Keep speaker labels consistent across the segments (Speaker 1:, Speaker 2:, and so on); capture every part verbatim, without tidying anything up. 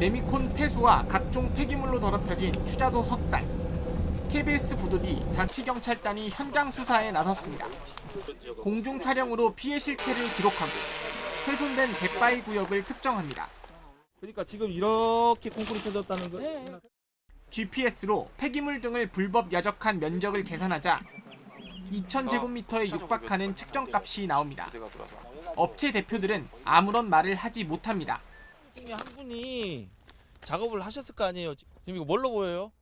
Speaker 1: 레미콘 폐수와 각종 폐기물로 더럽혀진 추자도 석산. 케이비에스 보도비 자치경찰단이 현장 수사에 나섰습니다. 공중 촬영으로 피해 실태를 기록하고 훼손된 갯바위 구역을 특정합니다.
Speaker 2: 그러니까 지금 이렇게 콩쿠리 펴졌다는 거.
Speaker 3: 네.
Speaker 1: 지피에스로 폐기물 등을 불법 야적한 면적을 계산하자 이천 제곱미터에 육박하는 측정값이 나옵니다. 업체 대표들은 아무런 말을 하지 못합니다.
Speaker 2: 한 분이 작업을 하셨을 거 아니에요. 지금 이거 뭘로 보여요?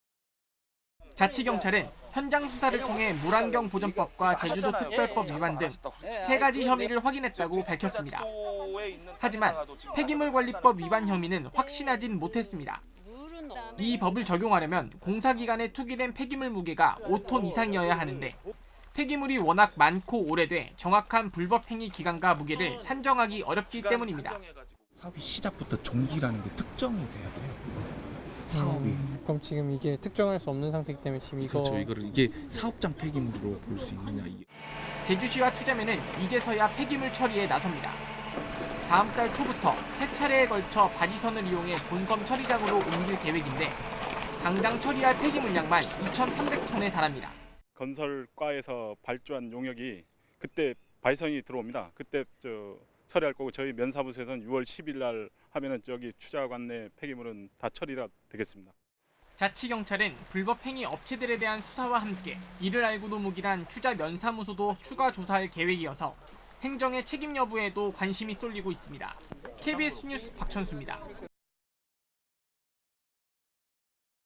Speaker 1: 자치경찰은 현장 수사를 통해 물안경 보전법과 제주도 특별법 위반 등 세 가지 혐의를 확인했다고 밝혔습니다. 하지만 폐기물관리법 위반 혐의는 확신하진 못했습니다. 이 법을 적용하려면 공사기간에 투기된 폐기물 무게가 오 톤 이상이어야 하는데 폐기물이 워낙 많고 오래돼 정확한 불법 행위 기간과 무게를 산정하기 어렵기 때문입니다.
Speaker 4: 사업이 시작부터 종기라는 게 특정이 돼야 돼요. 사업이.
Speaker 3: 음, 그럼 지금 이게 특정할 수 없는 상태이기 때문에 지금 이거
Speaker 4: 그렇죠. 이거를 이게 사업장 폐기물로 볼 수 있느냐.
Speaker 1: 제주시와 투자면은 이제서야 폐기물 처리에 나섭니다. 다음 달 초부터 세 차례에 걸쳐 바지선을 이용해 본섬 처리장으로 옮길 계획인데 당장 처리할 폐기물량만 이천삼백 톤에 달합니다.
Speaker 5: 건설과에서 발주한 용역이 그때 바이선이 들어옵니다. 그때 저 처리할 거고 저희 면사무소에서는 유월 십일 날 하면은 저기 추자관 내 폐기물은 다 처리가 되겠습니다.
Speaker 1: 자치경찰은 불법 행위 업체들에 대한 수사와 함께 이를 알고도 묵인한 추자 면사무소도 추가 조사할 계획이어서 행정의 책임 여부에도 관심이 쏠리고 있습니다. 케이비에스 뉴스 박천수입니다.